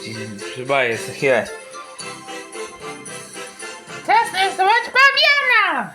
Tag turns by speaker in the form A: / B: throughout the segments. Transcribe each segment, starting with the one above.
A: Chyba jest chwilę. Czas narysować pawiana!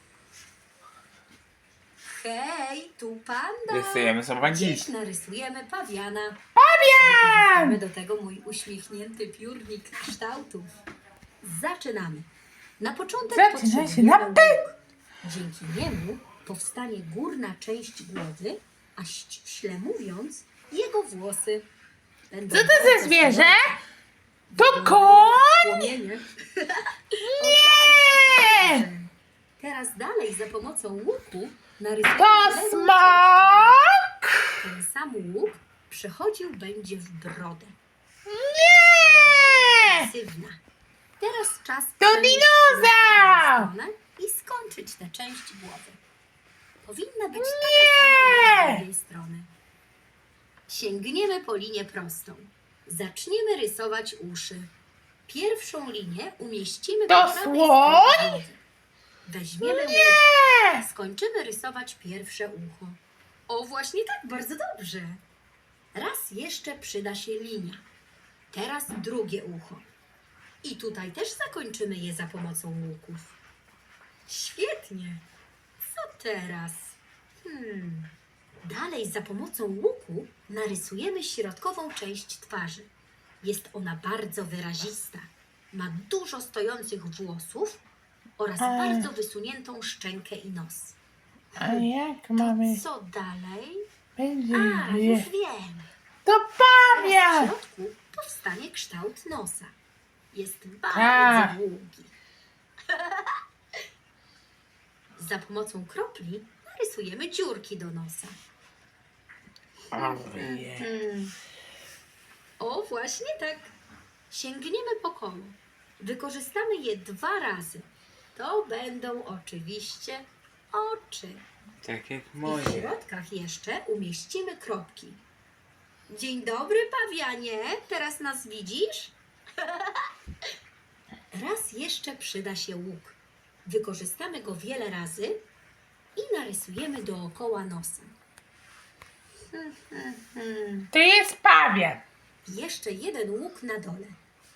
B: Hej, tu panda.
A: Rysujemy sobie
B: Dziś
A: dziś.
B: narysujemy pawiana.
A: Pawian!
B: Mamy do tego mój uśmiechnięty piórnik kształtów. Zaczynamy. Na początek
A: Zaczyna się
B: potrzebujemy
A: na P.
B: łuk. Dzięki niemu powstanie górna część głowy, a ściśle mówiąc, jego włosy. Będą
A: Co to
B: bardzo
A: za zwierzę?
B: srogie.
A: To
B: Wyglądają
A: koń?
B: jak płomienie.
A: Nie!
B: Teraz dalej za pomocą łuku narysujemy
A: To
B: lewą
A: smok?
B: Ten sam łuk przechodził będzie w brodę.
A: Nie!
B: Pasywna. Teraz czas
A: To
B: przenieść się
A: dinozaur!
B: na stronę i skończyć tę część głowy. Powinna być
A: Nie!
B: taka sama z drugiej strony. Sięgniemy po linię prostą. Zaczniemy rysować uszy. Pierwszą linię umieścimy
A: To
B: po prawej
A: słoń?
B: stronie głowy. Weźmiemy łyk.
A: Nie!
B: Skończymy rysować pierwsze ucho. O, właśnie tak, bardzo dobrze. Raz jeszcze przyda się linia. Teraz drugie ucho. I tutaj też zakończymy je za pomocą łuków. Świetnie. Co teraz? Dalej za pomocą łuku narysujemy środkową część twarzy. Jest ona bardzo wyrazista. Ma dużo stojących włosów oraz bardzo wysuniętą szczękę i nos.
A: A jak mamy...
B: Co dalej?
A: Będzie...
B: Już wiem.
A: To
B: Teraz w
A: pawian!
B: środku powstanie kształt nosa. Jest bardzo
A: Tak.
B: długi. Za pomocą kropli narysujemy dziurki do nosa. O, właśnie tak. Sięgniemy po koło. Wykorzystamy je 2 razy. To będą oczywiście oczy.
A: Tak jak
B: I w
A: moje.
B: środkach jeszcze umieścimy kropki. Dzień dobry, pawianie. Teraz nas widzisz? Raz jeszcze przyda się łuk. Wykorzystamy go wiele razy i narysujemy dookoła nosa.
A: To jest pawian.
B: Jeszcze jeden łuk na dole.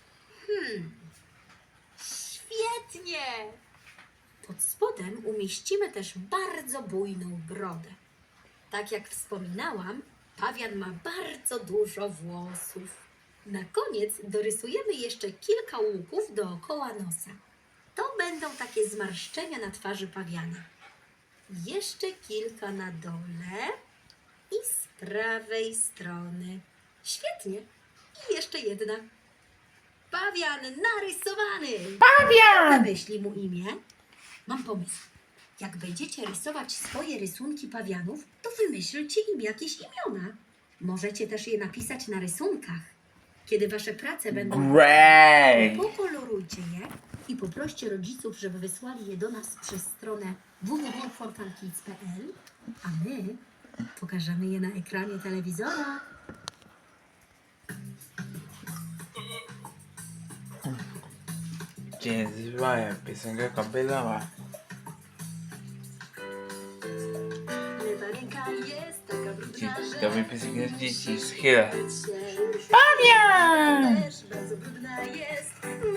B: Świetnie! Pod spodem umieścimy też bardzo bujną brodę. Tak jak wspominałam, pawian ma bardzo dużo włosów. Na koniec dorysujemy jeszcze kilka łuków dookoła nosa. To będą takie zmarszczenia na twarzy pawiana. Jeszcze kilka na dole i z prawej strony. Świetnie. I jeszcze jedna. Pawian narysowany!
A: Pawian!
B: Wymyśli mu imię. Mam pomysł. Jak będziecie rysować swoje rysunki pawianów, to wymyślcie im jakieś imiona. Możecie też je napisać na rysunkach. Kiedy wasze prace będą
A: Great!
B: pokolorujcie je i poproście rodziców, żeby wysłali je do nas przez stronę www.fortalkids.pl, a my pokażemy je na ekranie telewizora.
A: Dzień zwaja, piosenka kapelowa.
B: Lewa ręka jest taka brudna,
A: To mi piosenka z dzieci, z chwilę.
B: że
A: Pawian!
B: też bardzo brudna jest.